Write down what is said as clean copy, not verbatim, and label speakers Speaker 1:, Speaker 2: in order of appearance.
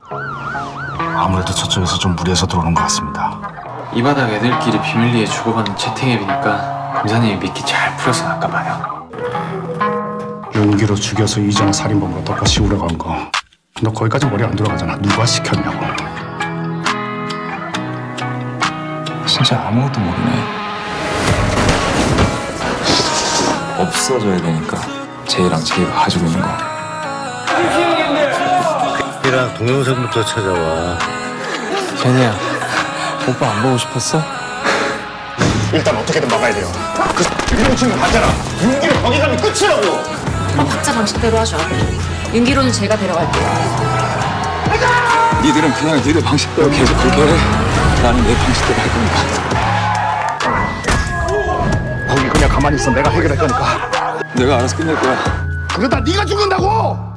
Speaker 1: 아무래도 저쪽에서 좀 무리해서 들어오는 것 같습니다.
Speaker 2: 이 바닥 애들끼리 비밀리에 주고받는 채팅 앱이니까 검사님이 미끼 잘 풀어서 나까 봐요.
Speaker 1: 용기로 죽여서 이전 살인범으로 덮어씌우려 간 거. 너 거기까지 머리 안 돌아가잖아. 누가 시켰냐고.
Speaker 3: 진짜 아무것도 모르네. 없어져야 되니까 제이랑 제이가 가지고 있는 거.
Speaker 4: 이랑 동영상부터 찾아와.
Speaker 2: 제니야, 오빠 안 보고 싶었어?
Speaker 1: 일단 어떻게든 막아야 돼요. 그 이런 친구 봤잖아. 용기로 거기 가면 끝이라고.
Speaker 5: 그럼 각자 방식대로 하죠. 윤기로는 제가 데려갈게요.
Speaker 3: 니들은 그냥 니들 방식대로 계속 그렇게 해. 나는 내 방식대로 할 거니까.
Speaker 1: 거기 그냥 가만히 있어. 내가 해결할 거니까.
Speaker 3: 내가 알아서 끝낼 거야.
Speaker 1: 그러다 네가 죽는다고.